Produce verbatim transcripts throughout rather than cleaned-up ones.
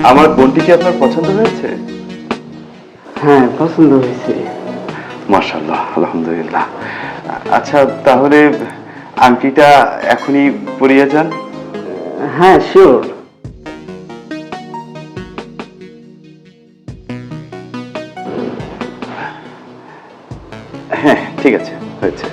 আমার বোনটি কি আপনার পছন্দ হয়েছে? হ্যাঁ, পছন্দ হয়েছে। মাশাআল্লাহ, আলহামদুলিল্লাহ। আচ্ছা, তাহলে আংটিটা এখনই পরিয়ে যান। হ্যাঁ, শিওর। হ্যাঁ, ঠিক আছে, হয়েছে।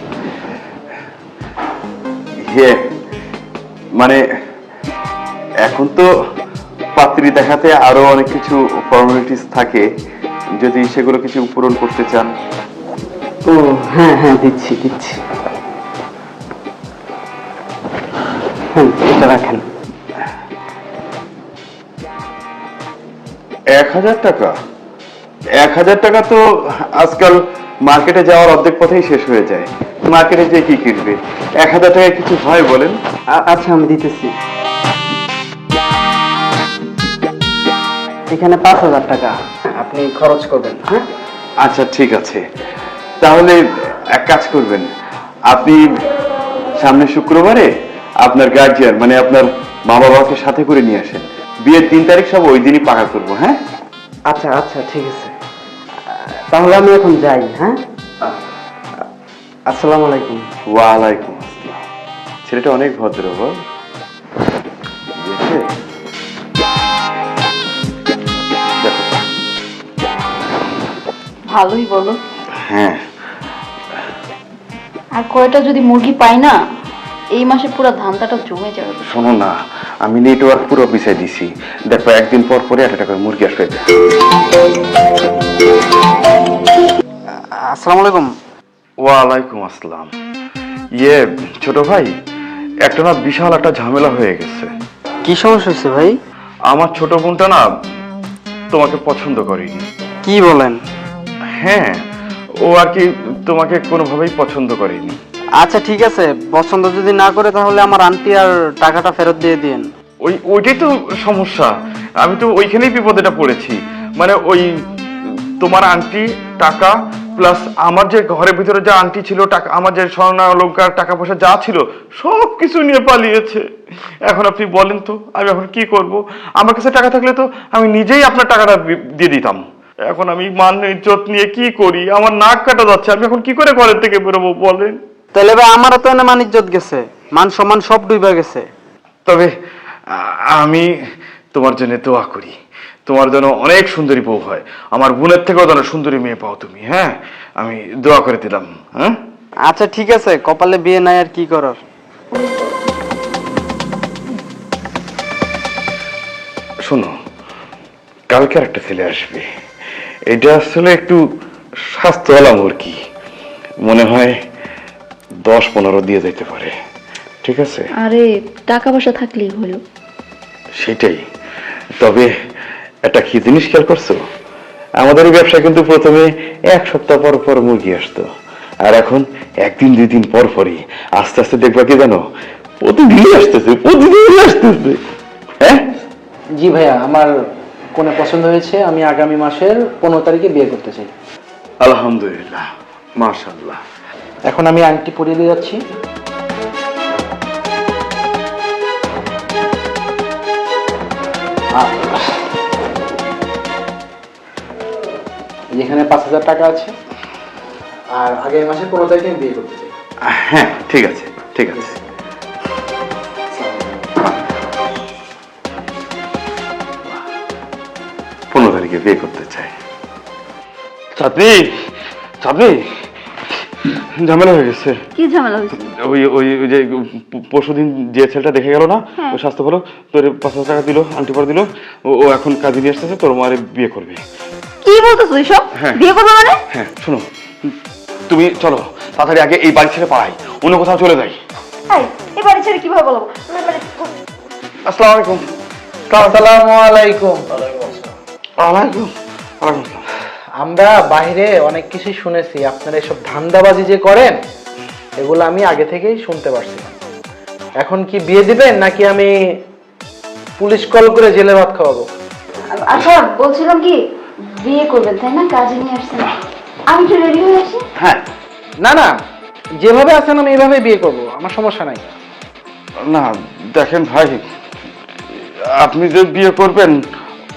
ইয়ে মানে এখন তো পাত্রী দেখাতে আরো অনেক কিছু ফর্মালিটিস থাকে, যদি সেগুলো কিছু পূরণ করতে চান। ও হ্যাঁ হ্যাঁ, দিচ্ছি দিচ্ছি। হ্যাঁ, এটা রাখেন। এক হাজার টাকা? এক হাজার টাকা তো আজকাল মার্কেটে যাওয়ার অর্ধেক পথেই শেষ হয়ে যায়। মার্কেটে যে কি কিনবে? এক হাজার টাকায় কিছু হয় বলেন? আ- আচ্ছা, আমি দিতেছি। এখানে পাঁচ হাজার টাকা আপনি খরচ করবেন। হ্যাঁ, আচ্ছা, ঠিক আছে। তাহলে এক কাজ করবেন, আপনি সামনে শুক্রবারে আপনার গার্জিয়ান মানে আপনার মা বাবাকে সাথে করে নিয়ে আসেন। বিয়ের তিন তারিখ সব ওই দিনই পাকা করবো। হ্যাঁ, আচ্ছা আচ্ছা, ঠিক আছে। তাহলে আমি এখন যাই। হ্যাঁ, আসসালামু আলাইকুম। ওয়ালাইকুম আসসালাম। ছেলেটা অনেক ভদ্র, বল। বুঝেছে? দেখো। ভালোই বলো। হ্যাঁ, আর কয়টা যদি মুরগি পাই না, এই মাসে পুরো ধান্দাটা জমে যাবে। শোনো না, আমি নেটওয়ার্ক পুরো পিছিয়ে দিছি। দেখো, একদিন পর পরে একটা করে মুরগি আসবে। আসসালামু আলাইকুম। ওয়ালাইকুম আসসালাম। ইয়ে ছোট ভাই, একটা না বিশাল একটা ঝামেলা হয়ে গেছে। কি সমস্যা হয়েছে ভাই? আমার ছোট বোনটা না তোমাকে পছন্দ করেনি। কি বলেন? হ্যাঁ, ও আর কি তোমাকে কোনোভাবেই পছন্দ করেনি। আচ্ছা ঠিক আছে, পছন্দ যদি না করে তাহলে আমার আন্টি আর টাকাটা ফেরত দিয়ে দিন। ওই ওইটাই তো সমস্যা। আমি তো ওইখানেই বিপদেটা পড়েছি। মানে ওই তোমার আন্টি টাকা প্লাস আমার যে ঘরের ভিতরে যে আন্টি ছিল, টাকা আমার যে স্বর্ণ অলংকার টাকা পয়সা যা ছিল সব কিছু নিয়ে পালিয়েছে। এখন আপনি বলেন তো আমি এখন কি করব? আমার কাছে টাকা থাকলে তো আমি নিজেই আপনার টাকাটা দিয়ে দিতাম। এখন আমি মান ইজ্জত নিয়ে কি করি? আমার নাক কাটা যাচ্ছে। আমি এখন কি করে ঘরের থেকে বেরোবো বলেন? তাহলে ভাই আমারও তো এনে মান ইজ্জত গেছে, মান সম্মান সব ডুবে গেছে। তবে আ- আমি তোমার জন্য দোয়া করি, তোমার জন্য অনেক সুন্দরী বউ হয়, আমার বোনের থেকেও যেন সুন্দরী মেয়ে পাও তুমি। হ্যাঁ, আমি দোয়া করে দিলাম। হ্যাঁ, আচ্ছা ঠিক আছে, কপালে বিয়ে নাই আর কি করার। শোনো, কালকে আর একটা ছেলে আসবে। এটা আসলে একটু স্বাস্থ্যওয়ালা মুরগি, মনে হয় দশ পনেরো দিয়ে যেতে পারে। ঠিক আছে? আরে টাকা পয়সা থাকলেই হলো। সেটাই। তবে একটা কি জিনিস খেয়াল করছো? আমাদের এই ব্যবসা কিন্তু প্রথমে এক সপ্তাহ পর পর মুরগি আসতো, আর এখন একদিন দুই দিন পর পরই আস্তে আস্তে দেখবা কি জানো, প্রতিদিনই আসতেছে, প্রতিদিনই আসতেছে। হ্যাঁ, জি ভাইয়া, আমার কোনে পছন্দ হয়েছে। আমি আগামী মাসের পনেরো তারিখে বিয়ে করতে চাই। আলহামদুলিল্লাহ, মাশাআল্লাহ। এখন আমি আংটি পরিয়ে দিয়ে যাচ্ছি। আ- যেখানে পাঁচ হাজার টাকা আছে, আর আগামী মাসের পনেরো তারিখে আমি বিয়ে করতে চাই। হ্যাঁ, ঠিক আছে, ঠিক আছে। পনেরো তারিখে বিয়ে করতে চাই। চাঁদনি, চাঁদনি, ঝামেলা হয়ে গেছে। কি ঝামেলা হয়েছে? ওই ওই ওই যে পরশুদিন যে ছেলেটা দেখে গেল না, ওই স্বাস্থ্য ভালো, তোর পাঁচ হাজার টাকা দিল, আন্টি পর দিল। ও এখন কাজে নিয়ে আসতেছে, তোর মারে বিয়ে করবে। কি বলতেছো এসব? হ্যাঁ। বিয়ে করবে মানে? হ্যাঁ, শোনো, তুমি চলো তাড়াতাড়ি, আগে এই বাড়ি ছেড়ে পালাই, অন্য কোথাও চলে যাই। এই এই বাড়ি ছেড়ে কিভাবে বলবো? আসসালামু আলাইকুম। আসসালামু আলাইকুম। ওয়ালাইকুম ওয়ালাইকুম আসসালাম। আমরা বাইরে অনেক কিছুই শুনেছি, আপনারা এসব ধান্দাবাজি যে করেন এগুলো আমি আগে থেকেই শুনতে পারছি। এখন কি বিয়ে দিবেন নাকি আমি পুলিশ কল করে জেলে ভাত খাওয়াবো? আচ্ছা বলছিলাম কি, বিয়ে করবেন তাই না? কাজে নিয়ে আসছেন, আমি একটু রেডি হয়ে আসি। হ্যাঁ, না না, যেভাবে আছেন আমি এইভাবে বিয়ে করব, আমার সমস্যা নাই। না দেখেন ভাই, আপনি যে বিয়ে করবেন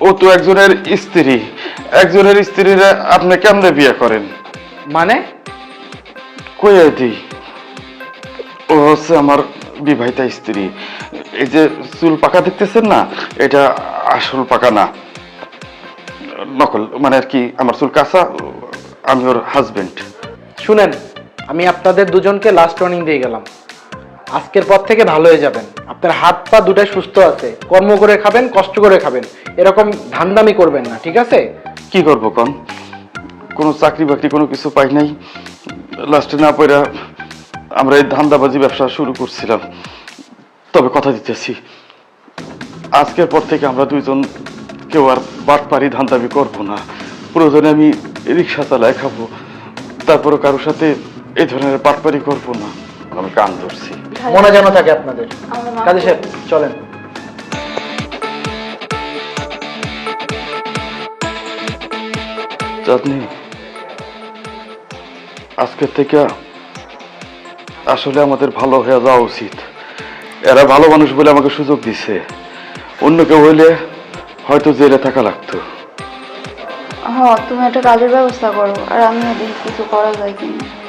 ও তো একজনের স্ত্রী, একজনের স্ত্রীরা আপনি কেমনে বিয়ে করেন? মানে কইয়া দিই, ও হচ্ছে আমার বিবাহিতা স্ত্রী। এই যে চুল পাকা দেখতেছেন না, এটা আসল পাকা না, নকল। মানে আর কি, আমার চুল কাঁচা, আমি ওর হাজবেন্ড। শুনেন, আমি আপনাদের দুজনকে লাস্ট ওয়ার্নিং দিয়ে গেলাম, আজকের পর থেকে ভালো হয়ে যাবেন। আপনার হাত পা দুটাই সুস্থ আছে, কর্ম করে খাবেন, কষ্ট করে খাবেন, এরকম ধান্দামি করবেন না, ঠিক আছে? কি করবো কন, কোনো চাকরি বাকরি কোনো কিছু পাই নাই, লাস্টে না পড়া আমরা এই ধান্দাবাজি ব্যবসা শুরু করছিলাম। তবে কথা দিতেছি, আজকের পর থেকে আমরা দুইজন কেউ আর বাটপারি ধান্দাবি করবো না। প্রয়োজনে আমি রিক্সা চালায় খাবো, তারপরে কারোর সাথে এই ধরনের বাটপারি করবো না। আমি কান ধরছি। মনে যেন থাকে আপনাদের। আমরা মাফ কাজী সাহেব চলেন। চাঁদনি, আজকের থেকে আসলে আমাদের ভালো হয়ে যাওয়া উচিত। এরা ভালো মানুষ বলে আমাকে সুযোগ দিছে, অন্য কেউ হইলে হয়তো জেলে থাকা লাগতো। হ, তুমি একটা কাজের ব্যবস্থা করো, আর আমিও দেখি কিছু করা যায় কিনা।